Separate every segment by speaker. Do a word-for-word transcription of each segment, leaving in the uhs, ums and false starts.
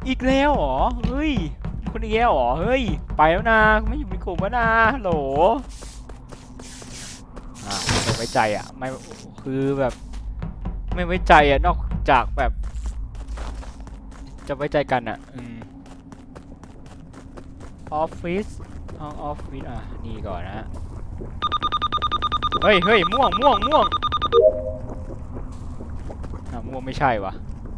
Speaker 1: อีกแล้วเหรอเฮ้ยคนอีกแล้วเหรอเฮ้ยไปแล้วนะไม่อยู่ในกลุ่มแล้วนะฮัลโหลอ่าไม่ไว้ใจอ่ะไม่คือแบบไม่ไว้ใจอ่ะนอกจากแบบจะไว้ใจกันอ่ะอืมออฟฟิศห้องออฟฟิศอ่ะนี่ก่อนนะฮะเฮ้ยเฮ้ยม่วงม่วงม่วงอ่ะม่วงไม่ใช่วะ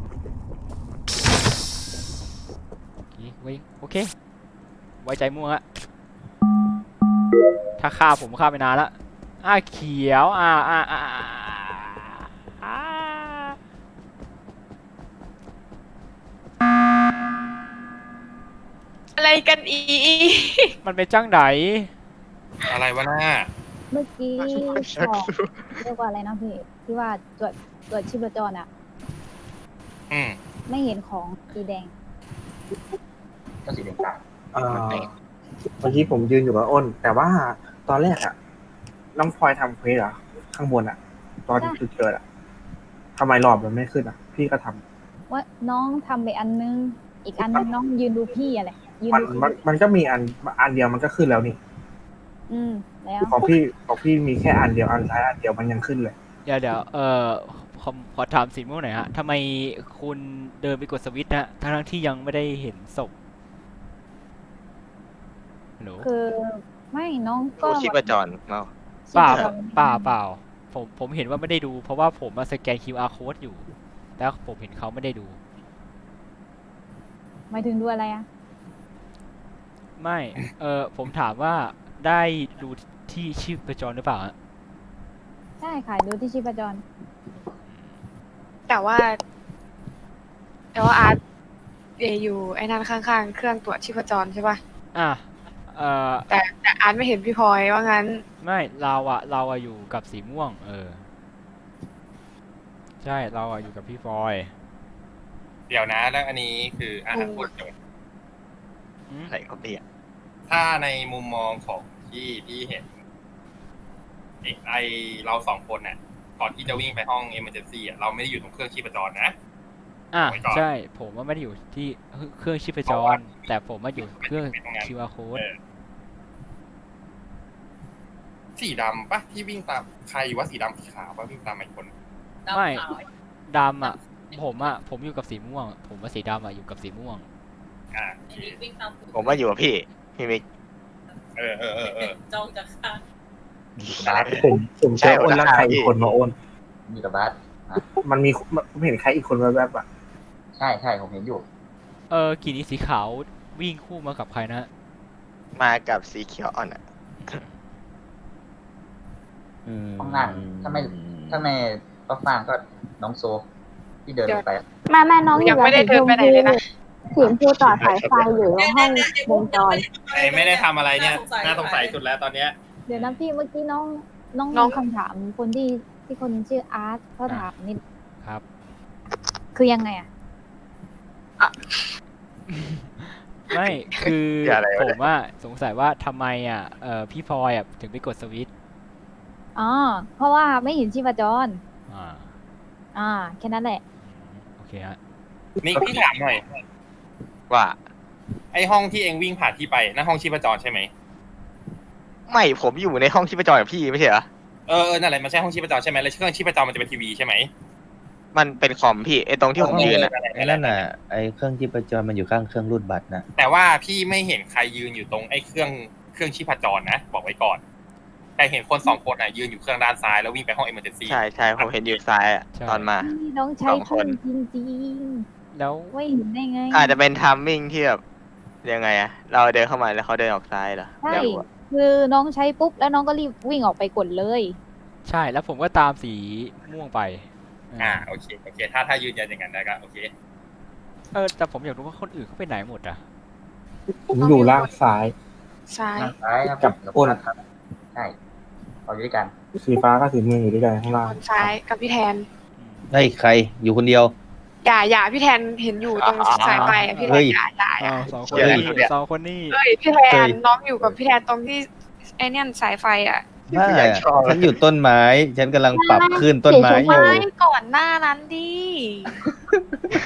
Speaker 1: โอเคโอเคไว้ใจม่วงอะถ้าฆ่าผมฆ่าไปนานละอ่าเขียวอ่าอ่าอ่าอ่า
Speaker 2: อะไรกันอี
Speaker 1: มันเป็นจ้างไหน
Speaker 3: อะไรวะหน้า
Speaker 4: เมื่อกี้บอกเรียกว่าอะไรนะพี่ที่ว่าตรวจตรวจชีพจรอะ
Speaker 3: อืม
Speaker 4: ไม่เห็นของสีแดง
Speaker 5: ก็สีแดงต่าง
Speaker 6: เอ่อเมื่อกี้ผมยืนอยู่กับอ้น แต่ว่าตอนแรกอะน้องพลอยทำเควสเหรอข้างบนอะตอนจุดเกิดอะทำไมหลอดมันไม่ขึ้นอะพี่ก็ทำ
Speaker 4: ว่าน้องทำไปอันนึง อีกอันนึงน้องยืนดูพี่อะไรยืน
Speaker 6: มัน
Speaker 4: ดู
Speaker 6: มันมันก็มีอันอันเดียวมันก็ขึ้นแล้วนี่
Speaker 4: อืมแล้ว
Speaker 6: ของพี่ของพี่มีแค่อันเดียวอันท้ายอันเดียวมันยังขึ้นเลย
Speaker 1: เดี๋ยวเดี๋ยวเอ่อขอขอถามสีม่วงหน่อยฮะทำไมคุณเดินไปกดสวิตช์ฮะทั้งทั้งที่ยังไม่ได้เห็นศพฮัลโหล
Speaker 4: คือไม่น้องก็
Speaker 5: ดูชีพจรเนาะ
Speaker 4: ชี
Speaker 1: เปล่า
Speaker 4: พจร
Speaker 1: เปล่าเปล่าผมผมเห็นว่าไม่ได้ดู เพราะว่าผมมาสแกน คิว อาร์ code อยู่แล้วผมเห็นเขาไม่ได้ดู
Speaker 4: หมายถึงดูอะไรอะ
Speaker 1: ไม่ เออผมถามว่าได้ดูที่ชีพจรหรือเปล่าฮะ
Speaker 4: ใช่ค่ะดูที่ชีพจร
Speaker 2: แต่ว่า แต่ว่าอาร์ตเออยู่ไอ้นั่นข้างๆ เครื่องตรวจชีพจรใช่ป่ะ
Speaker 1: อ่ะเออ
Speaker 2: แต่แต่อาร์ตไม่เห็นพี่พลอยว่างั้น
Speaker 1: ไม่เราอะเราอะอยู่กับสีม่วง เออ ใช่เราอะอยู่กับพี่ฟอย
Speaker 3: เดี๋ยวนะแล้วอันนี้คืออาหารพูดจบ
Speaker 1: อืม
Speaker 5: อะไรก็เรียก
Speaker 3: ถ้าในมุมมองของที่ที่เห็นไอ้ไอเราสองคนน่ะก่อนที่จะวิ่งไปห้อง emergency อ่ะเราไม่ได้อยู่ตรงเครื่องชีพจรนะ
Speaker 1: อ่ะ
Speaker 3: ไว้ก่อน
Speaker 1: ใช่ ผมว่าไม่ได้อยู่ที่เครื่องชีพจ
Speaker 3: เพราะว่าร
Speaker 1: แต่ผมมาอยู่เครื่อง
Speaker 3: ไม่ต้องงั้น
Speaker 1: คิว อาร์ code
Speaker 3: เออสีดำปะที่วิ่งตามใครวะสีดำสีขาวปะวิ่งตามไอ้คน
Speaker 1: ไม่ดำอ่ะ ผมอ่ะ ผมอยู่กับสีม่วง ผมว่าสีดำอ่ะอยู่กับสีม่วง
Speaker 3: อ่าโอเค
Speaker 5: ผมว่าอยู่กับพี่ พี่มิก
Speaker 3: เออเออเออเออ
Speaker 7: จ้องจะฆ่า
Speaker 6: ผมผมเจออ้นแล้วใครอีกคนมาอ้น
Speaker 8: มีกับบัส
Speaker 6: มันมีผมเห็นใครอีกคนแวบๆอะ
Speaker 8: ใช่ใช่ผมเห็นอยู่
Speaker 1: เออกี่นี้สีขาววิ่งคู่มากับใครนะ
Speaker 5: มากับสีเขียวอ่อนอ่ะ
Speaker 8: ห้องนั่งถ้าไม่ถ้าไม่ก็ฟางก็น้องโซที่เดินลงไป
Speaker 4: แม่แม่น้องอ
Speaker 2: ยั
Speaker 4: ยู่
Speaker 2: ง
Speaker 4: กับ
Speaker 2: ไม่ได้เดินไปไหนเลยนะ
Speaker 4: สีชมพูต่อสายไฟอยู่ในห้องวงจร
Speaker 3: ไอ้ไม่ได้ทำอะไรเนี่ยน่าสงสัยสุดแล้วตอนเนี้ย
Speaker 4: เดี๋ยวนะพี่เมื่อกี้น้องน้อง
Speaker 2: น้อง
Speaker 4: มีคำถามคนที่ที่คนชื่ออาร์ตเขาถามนิด
Speaker 1: ครับ
Speaker 4: คือยังไงอะ
Speaker 1: ไม่ คือ
Speaker 5: อะไรวะ
Speaker 1: ผมว่าสงสัยว่าทำไมอ่ะ เออพี่พลอยอ่ะถึงไปกดสวิตช์
Speaker 4: อ๋อเพราะว่าไม่เห็นชีพจร
Speaker 1: อ่า
Speaker 4: อ่าแค่นั้นแหละ
Speaker 1: อืมโอเคฮะ
Speaker 3: นี่พี่ถามหน่อย
Speaker 5: ว่า
Speaker 3: ไอ้ห้องที่เองวิ่งผ่านที่ไปนั่นห้องชีพจรใช่ไหม
Speaker 5: ไม่ผมอยู่ในห้องชีพจรกับพี่ไม่ใช่เหรอ
Speaker 3: เออเออนั่นแหละมันใช่ห้องชีพจรใช่ไหมแล้วเครื่องชีพจรมันจะเป็นทีวีใช่ไหม
Speaker 5: มันเป็นคอมพี่ไอตรงที่ผมยืนอ่ะ
Speaker 9: ไอ้นั่นน่ะไอ้เครื่องที่ประจรมันอยู่ข้างเครื่องรูดบัตรนะ
Speaker 3: แต่ว่าพี่ไม่เห็นใครยืนอยู่ตรงไอ้เครื่องเครื่องชีพจรนะบอกไว้ก่อน แต่เห็นคนสองคนอ่ะยืนอยู่เครื่องด้านซ้ายแล้ววิ่งไปห้อง emergency
Speaker 5: ใช่ใช่ผมเห็นอยู่ซ้ายอ่ะ
Speaker 1: ใช่
Speaker 5: ตอนมา
Speaker 4: นี่น้องใช้
Speaker 5: สองคน
Speaker 4: ปืนจริง
Speaker 1: แล้ว
Speaker 4: ๆไม่เห็นได้ไง
Speaker 5: อาจจะเป็นทัมมิ่งที่แบบยังไงอะเราเดินเข้ามาแล้วเขาเดินออกซ้ายเหรอ
Speaker 4: ใช่
Speaker 5: ไม่รู้อะ
Speaker 4: คือน้องใช้ปุ๊บแล้วน้องก็รีบวิ่งออกไปกดเลย
Speaker 1: ใช่แล้วผมก็ตามสีม่วงไป
Speaker 3: อ่าโอเคโอเค ถ้าถ้ายืนยันอย่างนั้นได้ก็โอเค
Speaker 1: เออแต่ผมอยากรู้ว่าคนอื่นเขาไปไหนหมดอ่ะ
Speaker 6: ผมอยู่ล่างซ้าย
Speaker 2: ซ้าย
Speaker 8: ทางซ้ายครับ
Speaker 6: กับอ้น
Speaker 8: ครับใช่เราอยู่ด้วยกัน
Speaker 6: สีฟ้าก็สีเมืองอยู่ด้วยกันข้างล่าง
Speaker 2: คนซ้ายกับพี่แทน
Speaker 9: ได้ใครอยู่คนเดียว
Speaker 2: อย่าอย่าพี่แทนเห็นอยู่ตรงสายไฟอะพี่แท
Speaker 9: เฮ้
Speaker 2: น
Speaker 9: ย
Speaker 2: อย่าอย่าอย่า
Speaker 1: อ้าวสองคน
Speaker 5: เฮ้ย
Speaker 1: นี้สองคนนี้
Speaker 2: เอ้ยพี่แท
Speaker 9: เฮ้
Speaker 2: น
Speaker 9: ย
Speaker 2: น้องอยู่กับพี่แทนตรงที่ไอ้เนี่ยสายไฟอ่ะ
Speaker 9: บ้า
Speaker 5: อยากชอบ
Speaker 9: ฉันอยู่ต้นไม้ ฉันกำลังปรับขึ้นต้นไม้อ
Speaker 2: ไม่
Speaker 9: ยู่
Speaker 2: ก่อนหน้านั้นดิ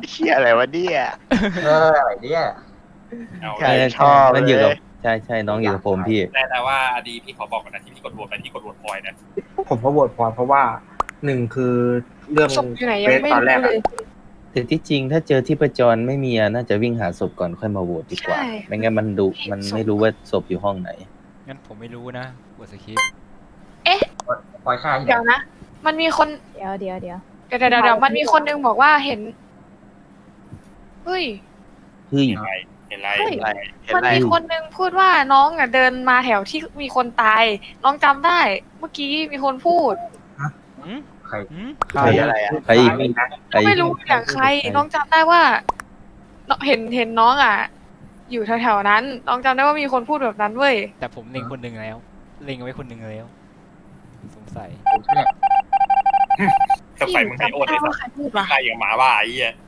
Speaker 5: เชี่ยอะไรวะเนี่ย
Speaker 8: เอออะไรเนี่ย
Speaker 3: เอา
Speaker 5: ใช่
Speaker 3: เลย
Speaker 5: ชอบ
Speaker 9: มันอยู่กับ
Speaker 5: เลย
Speaker 9: ใช่ใช่น้องอยู่กับผมพี่
Speaker 3: แต่แต่ว่าอดีพี่ขอบอกก่อนนะที่พี่กดโหวตไปพี่กดโหวตพลอยนะ
Speaker 6: ผมก็โหวตพลอยเพราะว่าหนึ่งคือเรื่อง
Speaker 2: ศพอยู่ไหน
Speaker 6: เฟ
Speaker 2: ยัง
Speaker 6: ส
Speaker 2: ไม่
Speaker 6: ตอนแรก
Speaker 2: รู้
Speaker 6: อะ
Speaker 2: เลย
Speaker 9: แต่ที่จริงถ้าเจอที่ประจรไม่มีอะน่าจะวิ่งหาศพก่อนค่อยมาโหวตดีกว่า
Speaker 2: ใช่
Speaker 9: ไม่งั้นมันดูมันไม่รู้ว่าศพอยู่ห้องไหน
Speaker 1: งั้นผมไม่รู้นะกดสคริปต์
Speaker 8: ปล่อยค่าที่ไห
Speaker 2: เดี๋ยวน นะ มันมีคน
Speaker 4: เดี๋ยวเดี๋ยวเดี๋ยว
Speaker 2: เดี๋ยวเดี๋ยวเดี๋ยวมันมีคนนึงบอกว่าเห็นเฮ้ย
Speaker 9: เฮ้ย
Speaker 3: เห็นไรเห็นไร
Speaker 2: เฮ้ย
Speaker 3: เห็นไร
Speaker 5: เห็น
Speaker 2: มัน
Speaker 5: ไร
Speaker 2: มีคนนึงพูดว่าน้องอ่ะเดินมาแถวที่มีคนตาย น้องจำได้ เมื่อกี้มีคนพูด
Speaker 1: อืม
Speaker 8: ใคร
Speaker 1: อืม
Speaker 5: ใครอะไรอ่ะ
Speaker 9: ใครอีก
Speaker 6: นะ
Speaker 9: ใคร
Speaker 2: ไม่รู้อย่างใคร น้องจำได้ว่าน้องเห็นเห็นน้องอ่ะ อยู่แถวๆนั้น น้องจำได้ว่ามีคนพูดแบบนั้นเว้ย
Speaker 1: แต่ผมเล็งคนหนึ่งแล้ว เล็งเอาไว้คนหนึ่งแล้ว สงสัย
Speaker 8: ผมเชื่อ
Speaker 3: สงสัยมึงให้โอน
Speaker 2: จำ
Speaker 3: ไอ้
Speaker 2: ไม่ได้
Speaker 3: สั
Speaker 2: ว่า
Speaker 3: ส
Speaker 2: ใครพูดวะ
Speaker 3: ใครอย่างหมาบ้าไอ้เหี้ย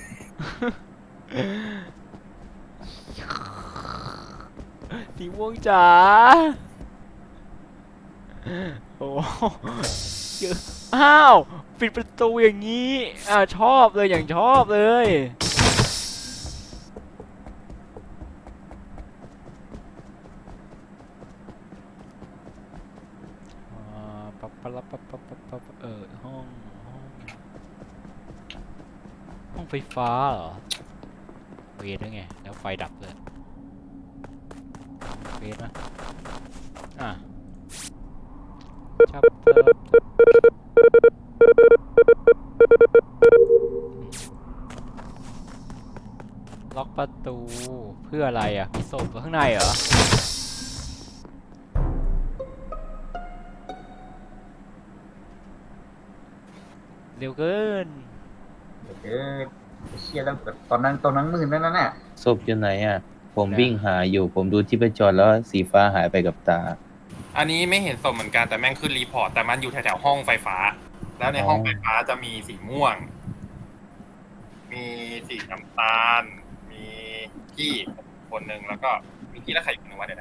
Speaker 1: สีม่วงจ๋าโอ้เยอะอ้าว ปิดประตูอย่างนี้ อ่าชอบเลยอย่างชอบเลย อ่าปั๊บปั๊บปั๊บปั๊บปั๊บปั๊บเออห้องห้องห้องไฟฟ้าเหรอ เวทได้ไง แล้วไฟดับเลยเวทนะอ่ะชับเติบล็อกประตูเพื่ออะไรอ่ะ มีศพอยู่ข้างในเหรอ เร็วเกิน
Speaker 8: เออเชี่ยแล้วตอนนั้นตอนนั้นมืดนั่นน่ะ
Speaker 9: ศพอยู่ไหนอ่ะ ผมวิ่งหาอยู่ ผมดูที่ประจรแล้วสีฟ้าหายไปกับตา
Speaker 3: อันนี้ไม่เห็นศพเหมือนกันแต่แม่งขึ้นรีพอร์ตแต่มันอยู่แถวๆห้องไฟฟ้า แล้วในห้องไฟฟ้าจะมีสีม่วง มีสีน้ำตาล มีพี่คนหนึ่งแล้วก็มีพี่และใครอีกคนหนึ่งวะเดี๋ยวนะ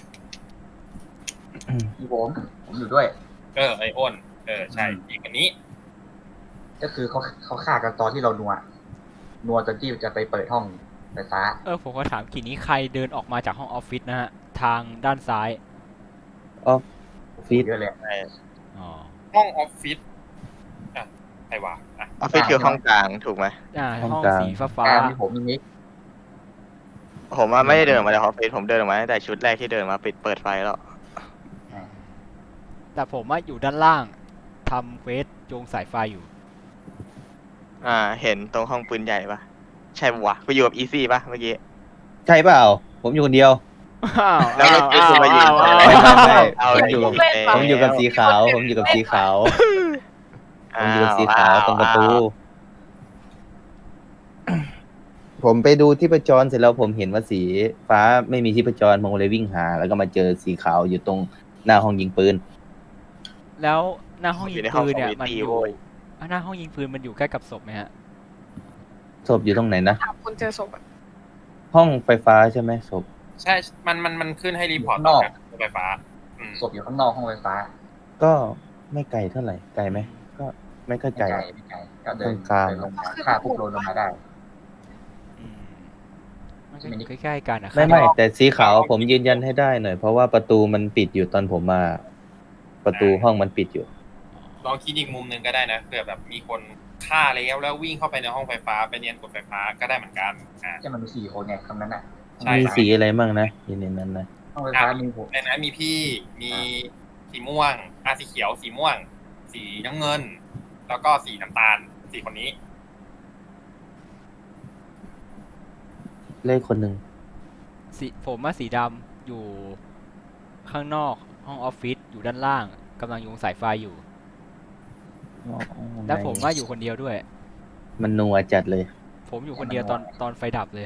Speaker 8: พี่ผมผมอยู่ด้วย
Speaker 3: เออไออ้นเออใช่อีกคนนี้
Speaker 8: ก็คือเขาเขาฆ่ากันตอนที่เรานัวนัวจนที่จะไปเปิดห้องไฟฟ้า
Speaker 1: เออ ผมก็ถามกี่นี้ใครเดินออกมาจากห้องออฟฟิศนะฮะ ทางด้านซ้าย
Speaker 9: ออฟฟิศ
Speaker 8: เยอะเลย
Speaker 1: อ๋อ
Speaker 3: ห้องออฟฟิศอ่ะใครวะอ่ะ
Speaker 5: ออฟฟิศคือห้องกลางถูกไหม
Speaker 1: อ่า ห้องสีฟ้าฟ้า
Speaker 8: อ่ามีผมมีนิก
Speaker 5: ผมว่าไม่ได้เดินมาจากออฟฟิศผมเดินออกมาตั้งแต่ชุดแรกที่เดินมาปิดเปิดไฟแล้ว
Speaker 1: แต่ผมว่าอยู่ด้านล่างทำเควสโยงสายไฟอยู่
Speaker 5: อ่า เห็นตรงห้องปืนใหญ่ปะใช่ปะวะไปอยู่กับอีซี่ปะเมื่อกี้
Speaker 9: ใช่เปล่า ผมอยู่คนเดียว
Speaker 1: อ้าว
Speaker 5: แล้วเมื่อกี้คุณมายืน
Speaker 1: อ้าว
Speaker 5: ไม่
Speaker 1: อ้าว
Speaker 9: ไม่
Speaker 5: เอา
Speaker 9: ผม
Speaker 5: เลย
Speaker 9: อยู่กับ
Speaker 5: แล้ว
Speaker 9: ผมอยู่กับสีขาว ผมอยู่กับสีขาว ผมอยู่กับสีขาวตรงประตู ผมไปดูที่ประจรเสร็จแล้วผมเห็นว่าสีฟ้าไม่มีที่ประจรผมเลยวิ่งหา แล้วก็มาเจอสีขาวอยู่ตรงหน้าห้องยิงปืน
Speaker 1: แล้วหน้าห้อง
Speaker 5: อ
Speaker 1: ยิ
Speaker 5: ยู่
Speaker 1: ง
Speaker 5: ในห้อง
Speaker 1: ปืนเนี่ย
Speaker 5: ของ
Speaker 1: มัน
Speaker 5: วิตี้
Speaker 1: อยู่
Speaker 5: โว้ย
Speaker 1: อ่ะหน้าห้องยิงปืนมันอยู่ใกล้กับศพไหมฮะ
Speaker 9: ศพอยู่ตรงไหนนะ
Speaker 2: ถามคนเจอศพอะ
Speaker 9: ห้องไฟฟ้าใช่ไหมศพ
Speaker 3: ใช่ มันมันมันขึ้นให้รีพอร์ต
Speaker 8: นอก
Speaker 3: จากไฟฟ้า อืม
Speaker 8: ศพอยู่ข้างนอกห้องไฟฟ้า
Speaker 9: ก็ไม่ไกลเท่าไหร่ ไกลไหม ก็ไม่ค่อย
Speaker 8: ไม่
Speaker 9: ไกล
Speaker 8: ไกลไม่ไกลก็เดิน
Speaker 9: กลางๆ
Speaker 8: เดินลงมาฆ่าปุ๊บโดนลงมาได้
Speaker 1: อืมมันก็
Speaker 8: ใช่ไหม
Speaker 1: อยู่ใกล้ๆกันอะ
Speaker 9: ไม่ไม่
Speaker 1: ข้างนอก
Speaker 9: แต่สีขาวผมยืนยันให้ได้หน่อย เพราะว่าประตูมันปิดอยู่ตอนผมมา ประตูห้องมันปิดอยู่
Speaker 3: ลองคิดอีกมุมหนึ่งก็ได้นะเผื่อแบบมีคนฆ่าแล้วแล้ววิ่งเข้าไปในห้องไฟฟ้าไปเนียนกดไฟฟ้าก็ได้เหมือนกันอ่า
Speaker 8: จะมันมีสี่คนไงคำนั้นน่ะ
Speaker 3: ใช่
Speaker 9: มีสีอะไรมั่งนะอยู่ในนั้นนะ
Speaker 8: ห้องไฟฟ้ามีผม
Speaker 3: ในนั้นมีพี่มีสีม่วงอ่ะสีเขียวสีม่วง สีน้ำเงิน แล้วก็สีน้ำตาลสีคนนี้
Speaker 9: เลขคนหนึ่ง
Speaker 1: สีผมว่าสีดำอยู่ข้างนอกห้องออฟฟิศอยู่ด้านล่างกำลังโยงสายไฟอยู่ แล้วผมว่าอยู่คนเดียวด้วย
Speaker 9: มันนัวจัดเลย
Speaker 1: ผมอยู่คนเดียวตอนตอนไฟดับเลย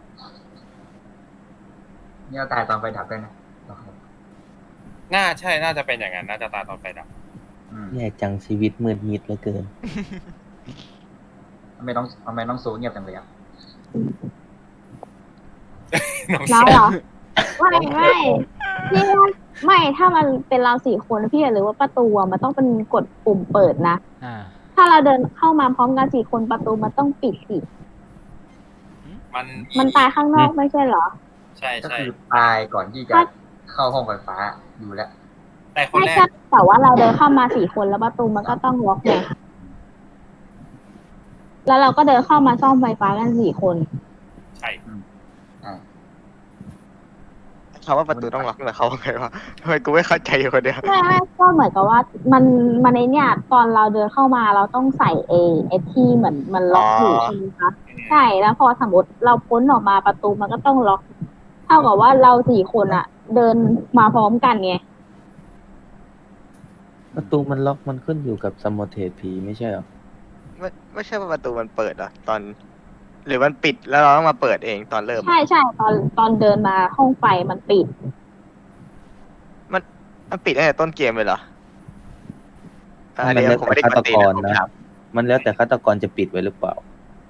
Speaker 8: นี่เราตายตอนไฟดับด้วยนะ
Speaker 3: น่าใช่น่าจะเป็นอย่างนั้นน่าจะตาตอนไฟดับ
Speaker 8: อืม
Speaker 9: แย่จังชีวิตมืดมิดเหลือเกิน
Speaker 8: ทำไมต้องทำไมต้องโซเงียบจังเลยอ่ะ
Speaker 3: น้อง
Speaker 4: เรา
Speaker 3: ส้ม
Speaker 4: เหรอ ไม่ไม่พี่ว่าไม่ถ้ามันเป็นเราสี่คนพี่อย่าลืมว่าประตูอะมันต้องเป็นกดปุ่มเปิดนะ
Speaker 1: อ่า
Speaker 4: ถ้าเราเดินเข้ามาพร้อมกันสี่คนประตูมันต้องปิดสิ
Speaker 3: มัน
Speaker 4: มันตายข้างนอกไม่ใช่เหรอ
Speaker 3: ใช่
Speaker 8: ก็
Speaker 3: ใช่
Speaker 8: คือตายก่อนที่จะเข้าห้องไฟฟ้าอยู่แล้ว
Speaker 3: แต่คน
Speaker 4: ใช่
Speaker 3: แรก
Speaker 4: ใช่แต่ว่าเราเดินเข้ามาสี่คนแล้วประตูมันก็ต้องล็อกไงแล้วเราก็เดินเข้ามาซ่อมไฟฟ้ากันสี่คน
Speaker 3: ใช่
Speaker 8: อ่า
Speaker 5: เขาว่าประตูต้องล็อกแต่เขาว่าไงวะทำไมกูไม่เข้าใจอยู่คนเดียว
Speaker 4: ไม่ไม่ก็เหมือนกับว่ามันมันในเนี่ยตอนเราเดินเข้ามาเราต้องใส่เอไอที่เหมือนมันล็อกอยู่
Speaker 5: อ๋อ
Speaker 4: ใช่ไหมคะใช่แล้วพอสมมติเราพ้นออกมาประตูมันก็ต้องล็อกเท่ากับว่าเราสี่คนอะเดินมาพร้อมกันไง
Speaker 9: ประตูมันล็อกมันขึ้นอยู่กับสมอเทสผีไม่ใช่เหรอ
Speaker 5: ไม่ไม่ใช่ว่าประตูมันเปิดเหรอตอน หรือมันปิดแล้วเราต้องมาเปิดเองตอนเริ่ม
Speaker 4: ใช่ใช่ตอนตอนเดินมาห้องไฟมันปิด
Speaker 5: มันปิดตั้งแต่ต้นเกมเลยเหรออ่า
Speaker 9: มัน
Speaker 5: เดี๋ยว
Speaker 9: แล้ว
Speaker 5: ผม
Speaker 9: แต่
Speaker 5: ไม่ได้
Speaker 9: ฆาก ต
Speaker 5: ดตี
Speaker 9: ก
Speaker 5: นะ
Speaker 9: ร
Speaker 5: ผม
Speaker 9: นะ
Speaker 5: ถาม
Speaker 9: มันแล้วแต่ฆาตกรจะปิดไว้หรือเปล่า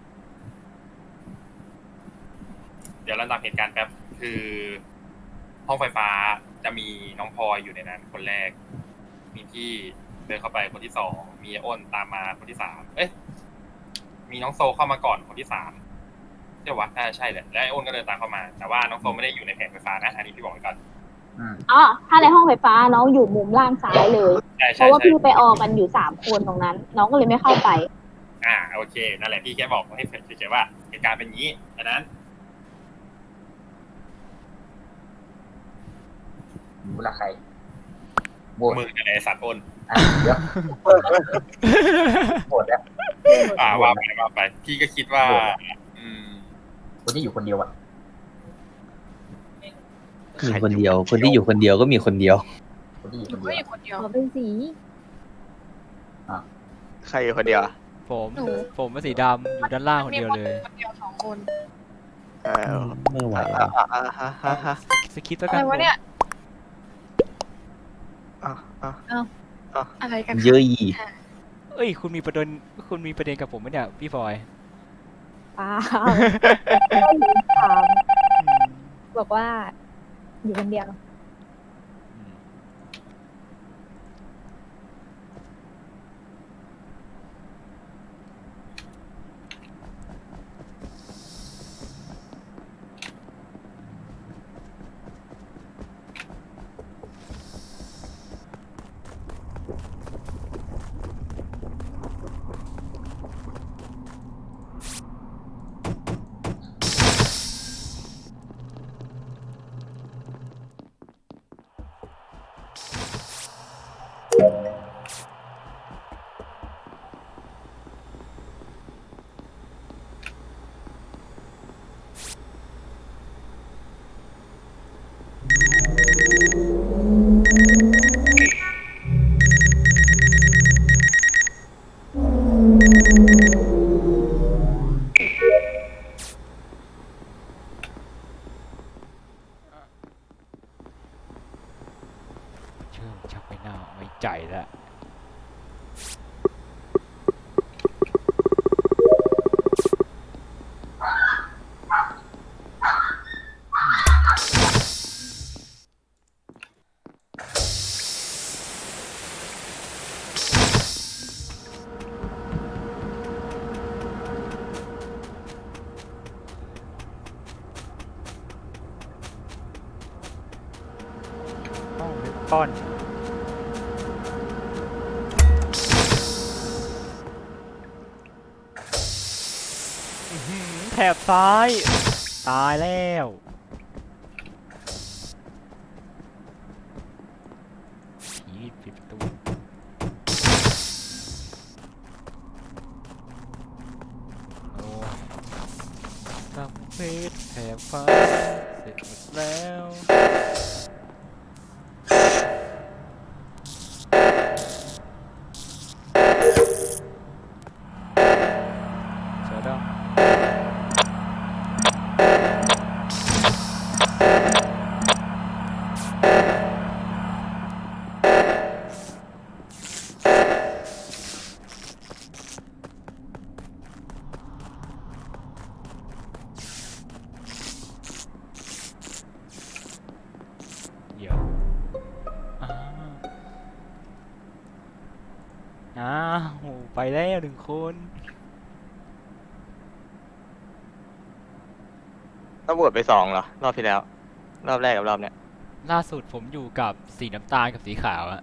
Speaker 3: เดี๋ยวเราตามเหตุการณ์แป๊บคือ ห้องไฟฟ้าจะมีน้องพลอยอยู่ในนั้น คนแรก มีพี่เดินเข้าไปคนที่สองมีอ้นตามมาคนที่สามเอ๊ะมีน้องโซเข้ามาก่อนคนที่สามใช่วะน่าจะใช่แหละแล้วไอ้อ้นก็เดินตามเข้ามา แต่ว่าน้องโซไม่ได้อยู่ในแผงไฟฟ้านะอันนี้พี่บอกไว้ก่อน
Speaker 8: อืม
Speaker 4: อ๋อ ถ้าในห้องไฟฟ้าน้องอยู่มุมล่างซ้ายเลย
Speaker 3: ใช่
Speaker 4: เพ
Speaker 3: ใช่
Speaker 4: ราะว่า
Speaker 3: ใช่
Speaker 4: พี่ไปออกันอยู่สามคนตรงนั้น น้องก็เลยไม่เข้าไป
Speaker 3: อ่าโอเคนั่นแหละพี่แค่บอกให้เฉยๆว่าเหตุการณ์เป็นอย่างนี้ดังนั้น
Speaker 8: รู้ละใครโหวต
Speaker 3: มือกับไอ้สัตว์อ้น
Speaker 8: อ่ะเดี๋ยวโหวตแล้ว
Speaker 3: อ่าว่าไปว่าไป พี่ก็คิดว่า อืม
Speaker 8: คนที่อยู่คนเดียวอ่ะ
Speaker 9: มีคนเดียว คนที่อยู่คนเดียวก็มีคนเดียว
Speaker 8: คนที่อยู่
Speaker 2: ห
Speaker 8: ค
Speaker 2: นู
Speaker 8: น
Speaker 2: ก็
Speaker 8: เดี
Speaker 2: อ
Speaker 8: ยว
Speaker 2: ยู่คนเดียว
Speaker 4: อ๋อเป็นสี
Speaker 5: ใครอยู่คนเดียวอะ
Speaker 1: ผม
Speaker 2: หนู
Speaker 1: ผมเป็นสีดำอยู่ด้านล่างคนเดียวเลย
Speaker 2: คนเดียวสองคน
Speaker 5: เออ
Speaker 9: ไม่ไหว
Speaker 5: อ่า
Speaker 9: อะ
Speaker 5: อ่าอ่าอ่าอ่า
Speaker 1: สคิปแล้ว
Speaker 2: อะ
Speaker 1: กั
Speaker 2: ไร
Speaker 1: น
Speaker 2: วะเนี่ย
Speaker 5: อ่าอ่า
Speaker 2: อะไรกัน
Speaker 9: เยอะอี
Speaker 1: เอ้ยคุณมีประเด็นคุณมีประเด็นกับผมไหมเนี่ยพี่ฟอย
Speaker 7: เปล่าถามบอกว่า อยู่คนเดียว
Speaker 1: อืมเชื่อชักไม่น่าไว้ใจแล้ว ห้องเล็กป้อนอื้อหือแถบซ้าย ตายแล้วผีปิดประตูโอ้ทำเพชรแถบฟ้าเสร็จหมดแล้วเสือดำ เดี๋ยวอ้าวอ้าวไปแล้วหนึ่งคน
Speaker 5: ต้องบวชไปสองเหรอ รอบที่แล้ว รอบแรกกับรอบเนี้ย
Speaker 1: ล่าสุดผมอยู่กับสีน้ำตาลกับสีขาวอะ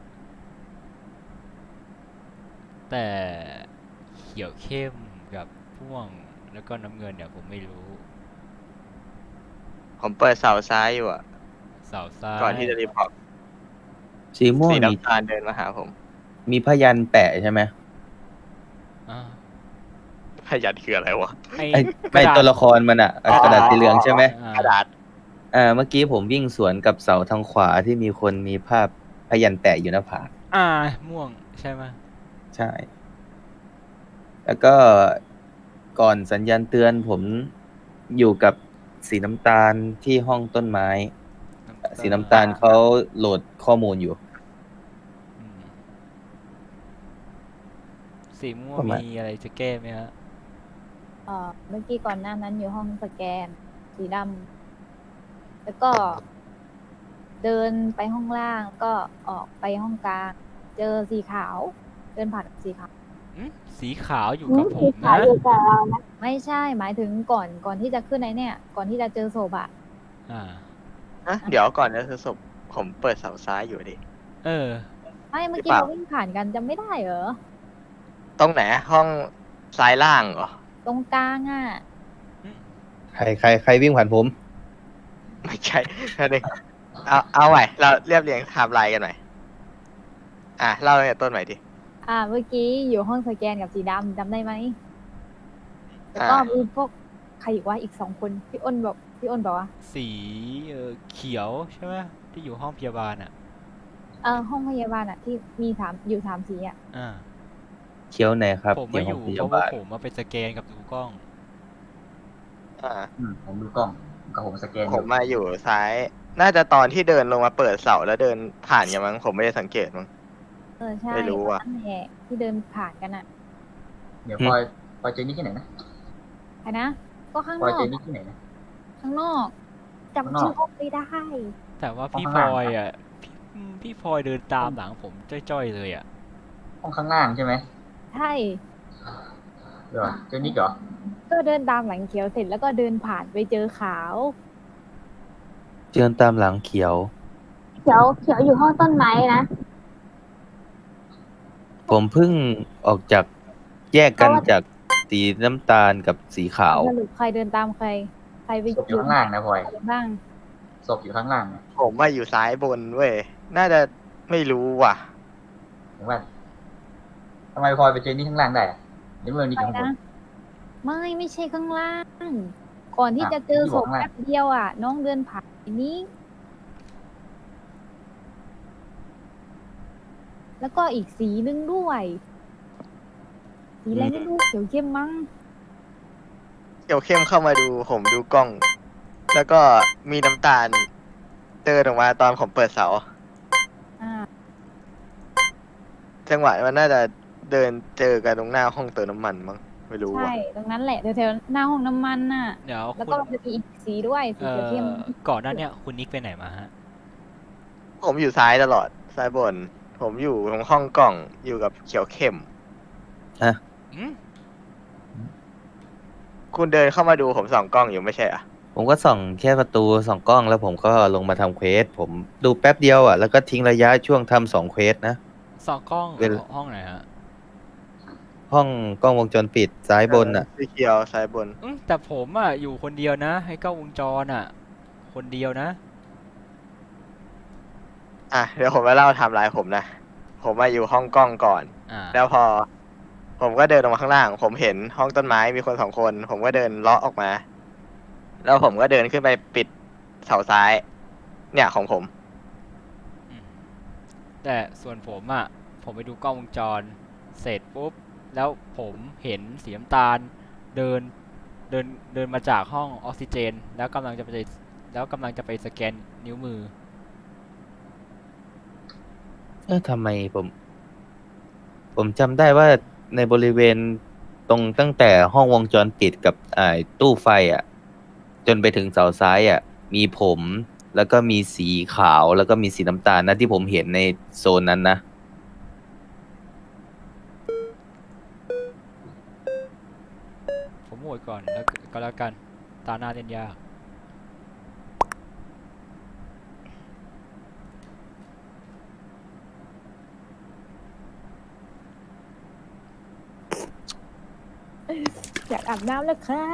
Speaker 1: แต่เขียวเข้มกับม่วงแล้วก็น้ำเงินเนี่ยผมไม่รู้
Speaker 5: ผมเปิดเสาซ้ายอยู่อะ
Speaker 1: เสาซ้าย
Speaker 5: ก่อนที่จะรีพอร์ต
Speaker 9: สีม่วง
Speaker 5: สี
Speaker 9: มี
Speaker 5: น้ำตาลเดินมาหาผม
Speaker 9: มีพยันแปะใช่ไหม
Speaker 1: อ่า
Speaker 5: พยัญชนะคืออะไรวะ
Speaker 1: ไอ้
Speaker 9: ไอ้
Speaker 1: ก
Speaker 9: ไม่
Speaker 1: ระดาษ
Speaker 9: ตัวละครมันอะ
Speaker 5: อ๋อ
Speaker 9: กระดาษสีเหลืองใช่ไหม
Speaker 1: อ่า
Speaker 5: กระดาษ
Speaker 9: อ่าเมื่อกี้ผมวิ่งสวนกับเสาทางขวาที่มีคนมีภาพพยันแปะอยู่หน้าผาก
Speaker 1: อ่าม่วงใช่ไหม
Speaker 9: ใช่ แล้วก็ก่อนสัญญาณเตือนผมอยู่กับสีน้ำตาลที่ห้องต้นไม้ สีน้ำตาลเขาโหลดข้อมูลอยู่
Speaker 1: อืมสีม่วง
Speaker 9: ประมาณ
Speaker 1: มีอะไรจะแก้ไหมฮะ
Speaker 7: เอ่อเมื่อกี้ก่อนหน้านั้นอยู่ห้องสแกน สีดำแล้วก็ เดินไปห้องล่างก็ออกไปห้องกลาง เจอสีขาว เดินผ่านสีขาว
Speaker 1: อืมสีขาวอยู่
Speaker 4: อื
Speaker 1: กับ
Speaker 4: ม
Speaker 1: ผ
Speaker 4: สี
Speaker 1: ม
Speaker 4: ขาว
Speaker 1: นะ
Speaker 4: อยู่กับเรานะ
Speaker 7: ไม่ใช่หมายถึงก่อนก่อนที่จะขึ้นไอ้เนี่ย ก่อนที่จะเจอศพอะ
Speaker 1: อ่า
Speaker 5: ฮะ เดี๋ยวก่อนจะคือศพผมเปิดเสาซ้ายอยู่ดิ
Speaker 1: เออ
Speaker 7: ไม่เมื่อ
Speaker 5: ห
Speaker 7: กี้
Speaker 5: รือเปล่า
Speaker 7: เราวิ่งผ่านกันจำไม่ได้เหรอ
Speaker 5: ตรงไหน ห้องซ้ายล่างเหรอ
Speaker 7: ตรงกลางอะ
Speaker 9: ใครใครใครวิ่งผ่านผม
Speaker 5: ไม่ใช่แค่นึงเอาเอาใหม่เราเรียบเรียงไทม์ไลน์กันหน่อยอ่ะเล่าตั้งแต่ต้นใหม่ดิ
Speaker 7: อ่า เมื่อกี้อยู่ห้องสแกนกับสีดำจำได้ไหมแล้วก็
Speaker 5: อ่า
Speaker 7: มีพวกใครอีกว่าอีกสองคนพี่อ้นบอกพี่อ้นบอกว่า
Speaker 1: สีเออเขียวใช่ไหมที่อยู่ห้องพยาบาลอ่ะ
Speaker 7: เออห้องพยาบาลอะที่มีสามอยู่สามสีอะ
Speaker 1: อ่า
Speaker 9: เคี้ยวไหนครับ
Speaker 1: ผมไม่อยู่
Speaker 9: ที่
Speaker 1: เพ
Speaker 9: ห้ง
Speaker 1: ราะว่า
Speaker 9: พยบล
Speaker 1: ผมมาไปสแกนกับดูกล้อง
Speaker 5: อ่า
Speaker 8: อืมผมดูกล้องกับผมสแกนอ
Speaker 5: ผม
Speaker 8: ยู่
Speaker 5: มาอยู่ซ้าย น่าจะตอนที่เดินลงมาเปิดเสาแล้วเดินผ่านกันมั้งผมไม่ได้สังเกตมั้ง
Speaker 7: เออใช่
Speaker 5: ไม่รู้ว่ะ
Speaker 7: นั่นแหละที่เดินผ่านกันอะ
Speaker 8: เดี๋ยวพลอยพลอยเจอนี่ที่ไหนนะ
Speaker 7: ใครนะ ก็ข้าง
Speaker 8: พล
Speaker 7: น
Speaker 8: อย
Speaker 7: อก
Speaker 8: เจอนี่ที่ไหนนะ
Speaker 7: ข้างนอก
Speaker 8: ข้างน
Speaker 7: จำ
Speaker 8: อก
Speaker 7: ชื่อห้องไม่ได้
Speaker 1: แต่ว่าพี่
Speaker 8: ห้อง
Speaker 1: พล
Speaker 8: ข้าง
Speaker 1: อ
Speaker 8: ล่าง
Speaker 1: ยอ่ะพี่อืมพี่พลอยเดินตามหลังผมจ้อยๆเลยอ่ะ
Speaker 8: ห้องข้างล่างใช่ไหม
Speaker 7: ใช่
Speaker 8: เดี๋ยวเจอนี่เหรอ
Speaker 7: ก็เดินตามหลังเขียวเสร็จแล้วก็เดินผ่านไปเจอขาว
Speaker 9: เจือนตามหลังเขียว
Speaker 4: เขียวเขียวอยู่ห้องต้นไม้นะ
Speaker 9: ผมเพิ่งออกจากแยกกันจากสีน้ำตาลกับสีขาว
Speaker 7: สรุปใครเดินตามใคร ใครไป
Speaker 8: ศพอยู่ข้างล่างนะพลอย
Speaker 7: บ้าง
Speaker 8: ศพอยู่ข้างล่างนะ
Speaker 5: ผมมาอยู่ซ้ายบนเว้ย น่าจะไม่รู้ว่ะ
Speaker 8: ถึงว่าทำไมพลอยไปเจอนี่ข้างล่างได้อะเดี๋ยวเมื่อนี่
Speaker 7: ใคร
Speaker 8: อยู่ข้างบ
Speaker 7: นะ
Speaker 8: น
Speaker 7: ไม่ไม่ใช่ข้างล่าง ก่อนที่
Speaker 8: อ่ะ
Speaker 7: จะเจอ
Speaker 8: ที่
Speaker 7: ศ
Speaker 8: บอก
Speaker 7: พ
Speaker 8: ข้างล่าง
Speaker 7: แป๊บเดียวอ่ะ น้องเดินผ่านนี้ แล้วก็อีกสีนึงด้วย สีอะไรไม่รู้เขียวเข้มมั้ง
Speaker 5: เกี่ยวเข้มเข้ามาดูผมดูกล้อง แล้วก็มีน้ำตาลเดินออกมาตอนผมเปิดเสา
Speaker 7: อ่า
Speaker 5: จังหวะมันน่าจะเดินเจอกันตรงหน้าห้องเติมน้ำมันมั้งไม่รู้
Speaker 7: ใช่
Speaker 5: ว่ะ
Speaker 7: ตรงนั้นแหละแถวๆหน้าห้องน้ำมันน่ะ
Speaker 1: เดี๋ยว
Speaker 7: แล้ว
Speaker 1: คุ
Speaker 7: ก็
Speaker 1: ณ
Speaker 7: มันจะมีอีกสีด้วย สี
Speaker 1: เอ่
Speaker 7: เขียวเข้ม
Speaker 1: อก่อนหน้าเนี้ยคุณนิกไปไหนมาฮะ
Speaker 5: ผมอยู่ซ้ายตลอดซ้ายบน ผมอยู่ตรงห้องกล่องอยู่กับเขียวเข้ม
Speaker 1: อืม
Speaker 5: คุณเดินเข้ามาดูผมส่องกล้องอยู่ไม่ใช่อ่ะ
Speaker 9: ผมก็ส่องแค่ประตูส่องกล้องแล้วผมก็ลงมาทำเควส ผมดูแป๊บเดียวอ่ะแล้วก็ทิ้งระยะช่วงทำสองเควสนะ
Speaker 1: สองกล้อง
Speaker 9: เวลา
Speaker 1: ห้องไหนฮะ
Speaker 9: ห้องกล้องวงจรปิดซ้ายบนอ่ะ
Speaker 5: สีเขียวซ้ายบน
Speaker 1: อืมแต่ผมอ่ะอยู่คนเดียวนะ ให้กล้องวงจรอ่ะ คนเดียวนะ
Speaker 5: อ่ะเดี๋ยวผมมาเล่าไทม์ไลน์ผมนะ ผมมาอยู่ห้องกล้องก่อน
Speaker 1: อ่า
Speaker 5: แล้วพอ ผมก็เดินออกมาข้างล่าง ผมเห็นห้องต้นไม้มีคนสองคน ผมก็เดินเลาะออกมา แล้วผมก็เดินขึ้นไปปิดเสาซ้าย เนี่ยของผม
Speaker 1: อืมแต่ส่วนผมอ่ะ ผมไปดูกล้องวงจร เสร็จปุ๊บ แล้วผมเห็นสีน้ำตาล เดิน เดิน เดินมาจากห้องออกซิเจน แล้วกำลังจะไป แล้วกำลังจะไปสแกนนิ้วมือ
Speaker 9: เออทำไมผม ผมจำได้ว่าในบริเวณตรงตั้งแต่ห้องวงจรปิดกับอ่าตู้ไฟอ่ะ จนไปถึงเสาซ้ายอ่ะ มีผม แล้วก็มีสีขาวแล้วก็มีสีน้ำตาลนะที่ผมเห็นในโซนนั้นนะ
Speaker 1: ผมโหวตก่อนแล้วก็แล้วกัน ตาหน้าเล่นยาก
Speaker 7: อยากอาบน้ำแล้วครับ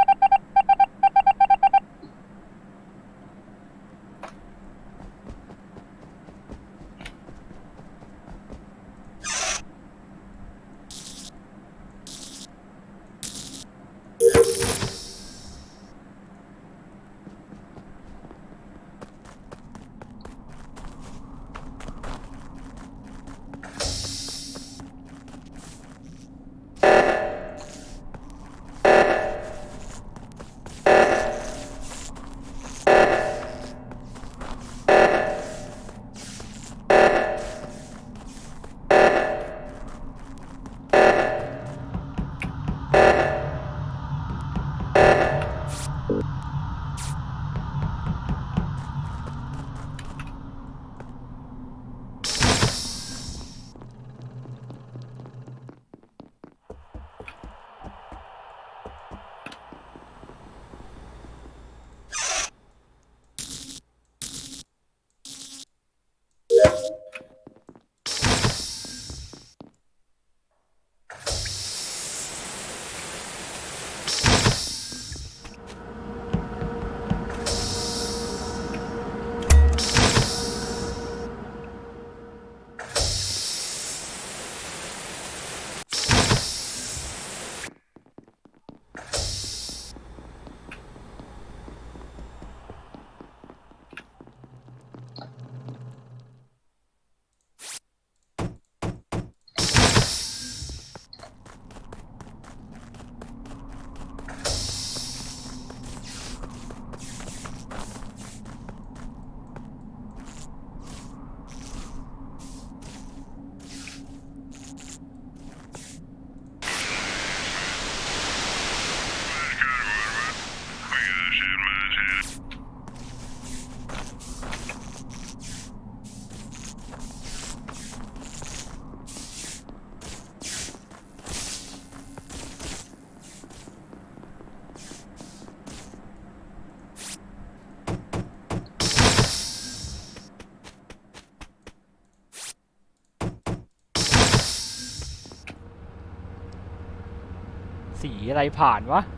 Speaker 1: สีอะไรผ่านวะ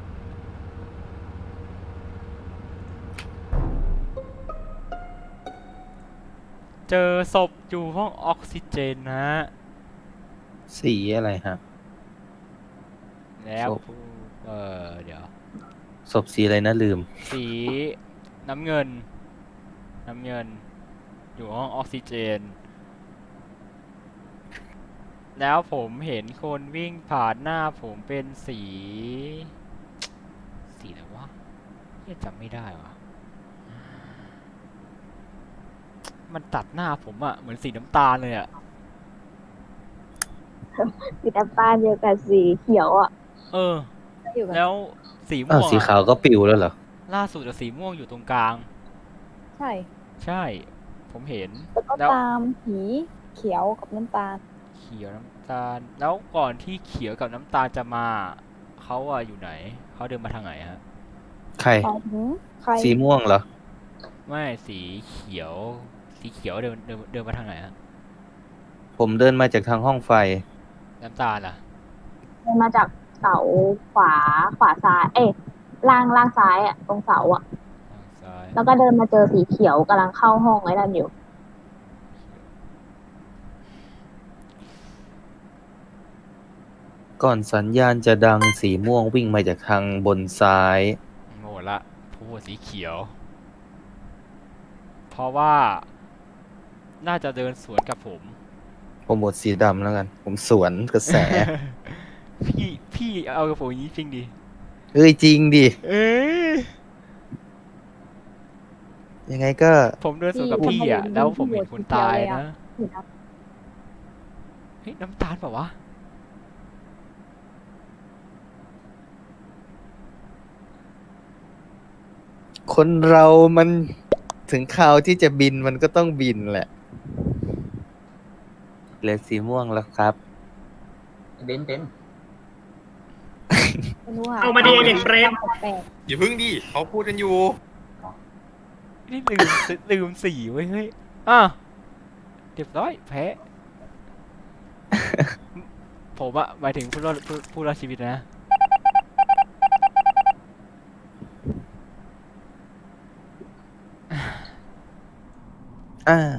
Speaker 1: เจอศพอยู่ห้องออกซิเจนนะฮะ
Speaker 9: สีอะไรฮะ
Speaker 1: แล้ว
Speaker 9: ศพ
Speaker 1: เออเดี๋ยว
Speaker 9: ศพสีอะไรนะลืม
Speaker 1: สีน้ำเงิน น้ำเงิน อยู่ห้องออกซิเจน แล้วผมเห็นคนวิ่งผ่านหน้าผมเป็นสี สีอะไรวะยังจำไม่ได้วะมันตัดหน้าผมอะเหมือนสีน้ำตาลเลยอะ
Speaker 4: สีน้ำตาลเดียวกับสีเขียวอ่ะ
Speaker 1: เออ
Speaker 7: อยู่กับ
Speaker 1: แล้วสี
Speaker 9: อ้า
Speaker 1: ม่
Speaker 9: ว
Speaker 1: วง
Speaker 9: สี
Speaker 1: อะ
Speaker 9: ขาวก็ปิวแล้วเหรอ
Speaker 1: ล่าสุดอะสีม่วงอยู่ตรงกลาง
Speaker 7: ใช่
Speaker 1: ใช่ ผมเห็น
Speaker 7: แล้วก็
Speaker 1: แล้ว
Speaker 7: ตามสีเขียวกับน้ำตาล
Speaker 1: เขียวน้ำตาล แล้วก่อนที่เขียวกับน้ำตาลจะมา เขาอะอยู่ไหน เขาเดินมาทางไหนฮะ
Speaker 9: ใคร
Speaker 7: หมายถึงใคร
Speaker 9: สีม่วงเหรอ
Speaker 1: ไม่สีเขียว สีเขียวเดินเดินเดินมาทางไหนฮะ
Speaker 9: ผมเดินมาจากทางห้องไฟ
Speaker 1: น้ำตาลล่ะ
Speaker 4: เดินมาจากเสาขวาขวาซ้าย เอ้ยล่างล่างซ้ายอ่ะ ตรงเสาอ่ะ
Speaker 1: ทางซ้าย
Speaker 4: แล้วก็เดินมาเจอสีเขียวกำลังเข้าห้องไอ้นั่นอยู่
Speaker 9: ก่อนสัญญาณจะดังสีม่วงวิ่งมาจากทางบนซ้าย
Speaker 1: โหมดละพูดสีเขียว เพราะว่าน่าจะเดินสวนกับผม
Speaker 9: ผมบทสีดำแล้วกัน ผมสวนกระแส
Speaker 1: พี่พี่เอากับผมอย่างนี้จริงดิ
Speaker 9: เฮ้ยจริงดิ
Speaker 1: เอ้ย
Speaker 9: ยังไงก็
Speaker 1: ผมเดินสวนกับ
Speaker 7: พี่
Speaker 1: พี่อ่ะ
Speaker 7: ทำไม
Speaker 1: แล้วผม
Speaker 7: พี่
Speaker 1: เห็น
Speaker 7: โหวต
Speaker 1: คน
Speaker 7: สีเขียว
Speaker 1: ตาย
Speaker 7: เลยอะ
Speaker 1: นะ
Speaker 7: สีด
Speaker 1: เฮ้ยน้ำตาลเปล่าวะ
Speaker 9: คนเรามันถึงคราวที่จะบินมันก็ต้องบินแหละเหลือสีม่วงแล้วครับ
Speaker 8: เบนเป็น
Speaker 7: ำไม่รู้อะ
Speaker 10: เอามาดีเด็กเบรน
Speaker 7: แปลก
Speaker 3: อย่าพึ่งดิเขาพูดกันอยู่
Speaker 1: นี่ลืม ลืมสีไว้ยเฮ้ย อ่ะเรียบร้อยแพ้ ผมอะหมายถึงผู้รอดผู้ผู้รอดชีวิตนะ
Speaker 9: อ้าว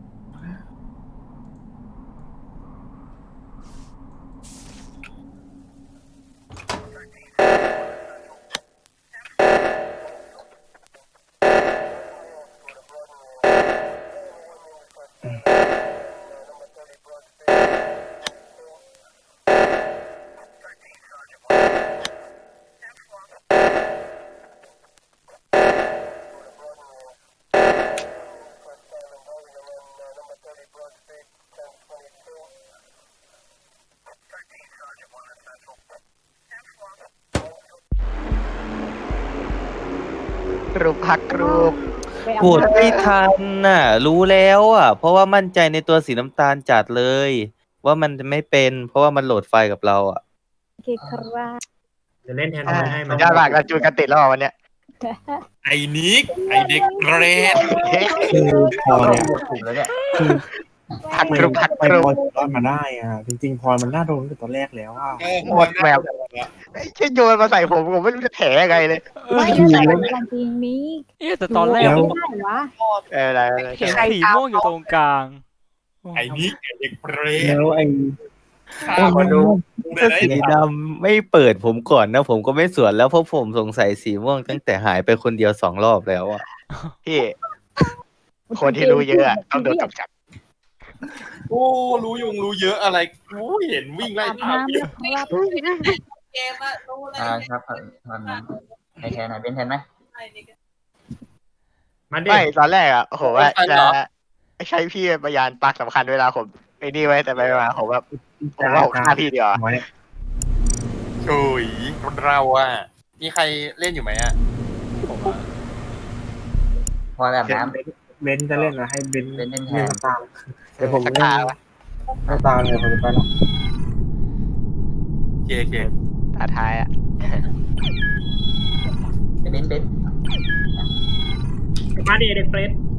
Speaker 5: กรูปพักกรูป
Speaker 7: ไปเอา
Speaker 9: พูดไม่ทันน่ะ รู้แล้วอ่ะ เพราะว่ามั่นใจในตัวสีน้ำตาลจัดเลย ว่ามันจะไม่เป็น เพราะว่ามันโหลดไฟล์กับเราอ่ะ
Speaker 7: โอเคครับ
Speaker 10: จะเล่นแทน
Speaker 5: อ่า
Speaker 10: ทอยให้
Speaker 5: สุ
Speaker 10: มา
Speaker 5: ดยอดมากเราจูนกันติดแล้วอ่ะวันเนี้ย
Speaker 3: ไอ้นิก ไอ้เด็กเกรด
Speaker 6: คือพอเนี่ย
Speaker 8: ถูกแล้วเนี่ย
Speaker 6: คือ
Speaker 5: พัก
Speaker 6: ไม่
Speaker 5: กรูปพัก
Speaker 6: ไป
Speaker 5: กรู
Speaker 6: พ
Speaker 5: ป
Speaker 6: อถึงรอดมาได้อ่ะ จริงๆพลอยมันน่าโดนตั้งแต่ตอนแรกแล้วอ่ะ
Speaker 3: เออ
Speaker 5: หมดแมวไอ้เช่นโยนมาใส่ผมผมไม่รู้จะแถยังไงเลย
Speaker 7: ไม่
Speaker 6: คือ
Speaker 7: ใส่กันจริงนี้
Speaker 1: เอ๊ะแต่ตอนแรก
Speaker 6: แล้ว
Speaker 7: ไม่ได้วะ
Speaker 5: เอออะไรอะไร
Speaker 1: เห็นสีม่วงอยู่ตรงกลาง
Speaker 3: ไอ้นิก ไอ้เด็กเกรด
Speaker 6: แล้วไอ้
Speaker 3: ฆ่า
Speaker 6: โอ้ย
Speaker 3: ค
Speaker 6: มัน น
Speaker 3: ดู
Speaker 9: ถ้าสีดำไม่เปิดผมก่อนนะ ผมก็ไม่สวนแล้วเพราะผมสงสัยสีม่วงตั้งแต่หายไปคนเดียวสองรอบแล้วอ่ะ
Speaker 5: พี่ คนที่รู้เยอะอะต้องโดนกำจัด
Speaker 3: โอ้รู้ยุงรู้เยอะอะไรโอ้เห็นวิ่งไล่
Speaker 7: อาบ
Speaker 3: ตาม
Speaker 7: น้ำ
Speaker 3: อยู่
Speaker 7: แล้วครับ
Speaker 8: อ่าครับตอนนั้นให้แทนหน่อยเป็นแทนไหม
Speaker 10: มาเด็
Speaker 5: ไม่
Speaker 10: ก
Speaker 5: ตอนแรกอ่ะโอ้โหว่าจะใช้พี่เป็นพยานปากสำคัญเวลาผมไอ้นี่ไว้แต่ไปมาผมแบบผมว่าผมฆ่าพี่ดีกว่า
Speaker 6: ไว้
Speaker 3: โอ้ยเราอ่ะมีใครเล่นอยู่ไหมอ่ะ
Speaker 1: ผมอะ
Speaker 8: พออาบ
Speaker 6: เดี๋ยว
Speaker 8: น้ำ
Speaker 6: เบนซ์จะเล่นนะให้เบนซ์
Speaker 8: เบนซ์เล่นแทน
Speaker 6: เล่นน้ำตาลเดี๋ยวผม
Speaker 5: สัก
Speaker 6: เล่น
Speaker 5: ตาวะ
Speaker 6: น้ำตาลเลยผมจะไปแล้ว
Speaker 3: โอเคโอเค
Speaker 5: ตาท้ายอ่ะ
Speaker 8: เบนซ์เบนซ์
Speaker 10: มาเด็กเด็กเฟรด